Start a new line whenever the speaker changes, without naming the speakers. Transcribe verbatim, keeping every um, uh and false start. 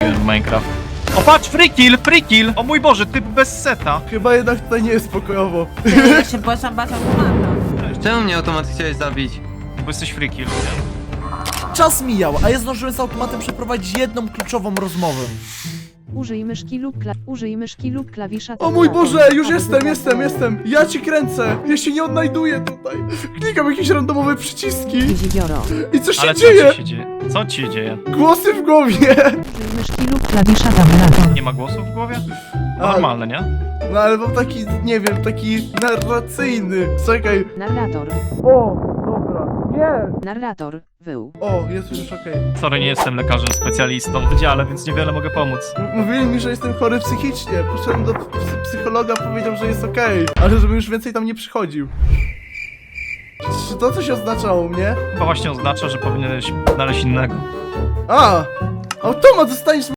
wróciłem w Minecraft. O patrz, free kill, free kill! O mój Boże, typ bez seta.
Chyba jednak tutaj nie jest pokojowo.
Ja się błaszam, błaszam, błaszam.
Czemu mnie automat chciałeś zabić?
Bo jesteś free kill.
Czas mijał, a ja zdążyłem z automatem przeprowadzić jedną kluczową rozmowę.
Użyj myszki lub kla... Użyj myszki lub klawisza.
O mój
tabulatora,
Boże, już
aby
jestem,
wybrać
jestem,
dane.
jestem. Ja ci kręcę. Ja się nie odnajduję tutaj. Klikam jakieś randomowe przyciski.
Dziwioro.
I co się
Ale co
dzieje?
ci się dzieje? Co ci się dzieje?
Głosy w głowie.
Użyj myszki lub klawisza tabulator.
Nie ma głosów w głowie?
A,
Normalne, nie?
no ale mam taki, nie wiem, taki narracyjny. Czekaj.
Narrator.
O, dobra. Nie.
Narrator. Wył.
O, jest już okej.
Sorry, nie jestem lekarzem specjalistą w wydziale, więc niewiele mogę pomóc.
M- Mówili mi, że jestem chory psychicznie. Poszedłem do p- psychologa, powiedział, że jest okej. Ale żebym już więcej tam nie przychodził. Czy to coś oznaczało u mnie?
Chyba właśnie oznacza, że powinieneś znaleźć innego.
A! Automat, zostaniesz